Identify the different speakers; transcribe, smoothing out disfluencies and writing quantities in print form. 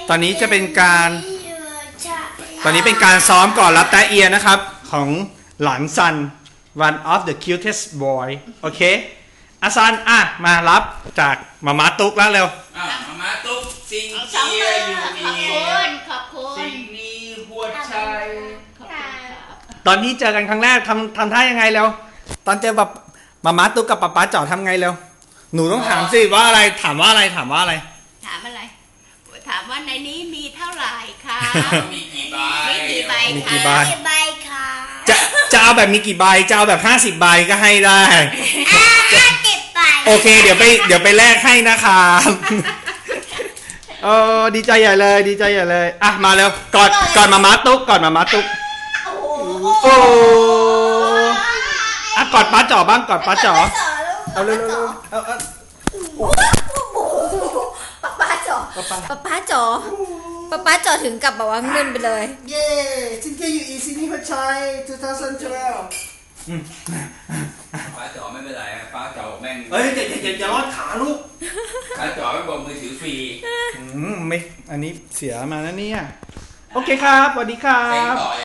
Speaker 1: ตอนนี้จะเป็นการซ้อมก่อนรับแตะเอียนะครับของหลานซัน one of the cutest boy โอเคอาซันมารับจากมาม่าตุ๊กแล้วเร็ว
Speaker 2: มาม่าตุ๊กซิงเจียอยู่นี่
Speaker 3: ขอบคุณ
Speaker 2: สิ่งนี้หัวใจ
Speaker 1: ตอนนี้เจอกันครั้งแรกทำท่ายังไงเร็วตอนเจอแบบมาม่าตุ๊กกับป๊าป๊าจ๋อทำไงเร็วหนูต้องถามสิว่าอะไรถามว่าอะไร
Speaker 3: ถามว่าในนี้มีเท่าไหร่คะ
Speaker 2: มีกี่ใบ
Speaker 3: คะ
Speaker 1: จะเอาแบบมีกี่ใบจะเอาแบบ50 ใบก็ให้ได้
Speaker 3: 50 ใบ
Speaker 1: โอเคเดี๋ยวไปแลกให้นะครับดีใจใหญ่เลยมาเร็วกอดมาม่าตุ๊กกอดมาม่าตุ๊กโอ้กอดป้าจ๋อบ้างกอดป้าจ๋อเอาเร็ว
Speaker 3: ป้าจ๋อถึงกับแบบว่าเงินไปเลย
Speaker 4: เย้ซิงเกิลอยู่อีซีนี่พัชชัย2012
Speaker 2: ป้าจ๋อไม่เป็นไรป้าจ๋อแม่ง
Speaker 1: อย่ารอดขาลูก
Speaker 2: ป้าจ๋อไม่บอกมือถือฟรี
Speaker 1: ไม่อันนี้เสียมาแล้วเนี่ยโอเคครับสวัสดีครับ